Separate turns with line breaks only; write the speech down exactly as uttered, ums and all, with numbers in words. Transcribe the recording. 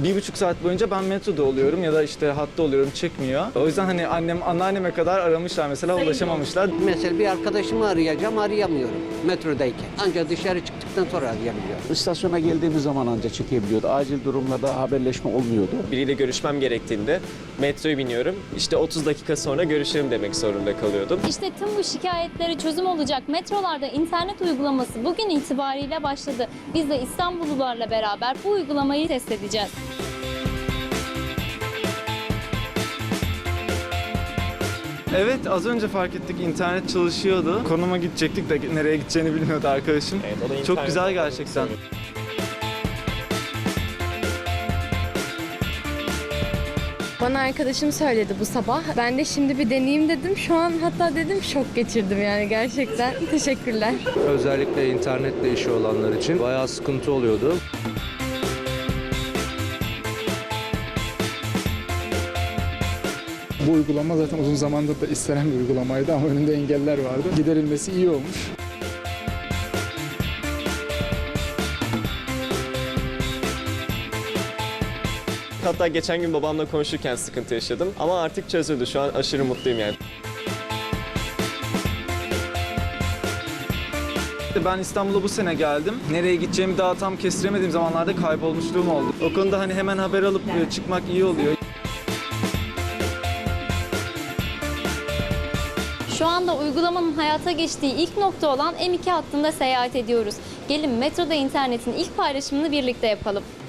bir buçuk saat boyunca ben metroda oluyorum ya da işte hatta oluyorum, çıkmıyor. O yüzden hani annem, anneanneme kadar aramışlar mesela, ulaşamamışlar.
Mesela bir arkadaşımı arayacağım, arayamıyorum metrodayken. Ancak dışarı çıktıktan sonra arayabiliyorum.
İstasyona geldiğimiz zaman ancak çekebiliyordu. Acil durumlarda haberleşme olmuyordu.
Biriyle görüşmem gerektiğinde metroya biniyorum. İşte otuz dakika sonra görüşelim demek zorunda kalıyordum.
İşte tüm bu şikayetlere çözüm olacak metrolarda internet uygulaması bugün itibariyle başladı. Biz de İstanbullularla beraber bu uygulamayı test edeceğiz.
Evet, az önce fark ettik, internet çalışıyordu. Konuma gidecektik de nereye gideceğini bilmiyordu arkadaşım.
Evet, o da
Çok
internet
güzel
olduğunu
gerçekten.
söylüyor.
Bana arkadaşım söyledi bu sabah. Ben de şimdi bir deneyeyim dedim. Şu an hatta dedim şok geçirdim yani gerçekten. Teşekkürler.
Özellikle internetle işi olanlar için bayağı sıkıntı oluyordu.
Bu uygulama zaten uzun zamandır da istenen bir uygulamaydı ama önünde engeller vardı. Giderilmesi iyi olmuş.
Hatta geçen gün babamla konuşurken sıkıntı yaşadım ama artık çözüldü. Şu an aşırı mutluyum yani.
Ben İstanbul'a bu sene geldim. Nereye gideceğimi daha tam kestiremediğim zamanlarda kaybolmuşluğum oldu. O konuda hani hemen haber alıp çıkmak iyi oluyor.
Şu anda uygulamanın hayata geçtiği ilk nokta olan M iki hattında seyahat ediyoruz. Gelin metroda internetin ilk paylaşımını birlikte yapalım.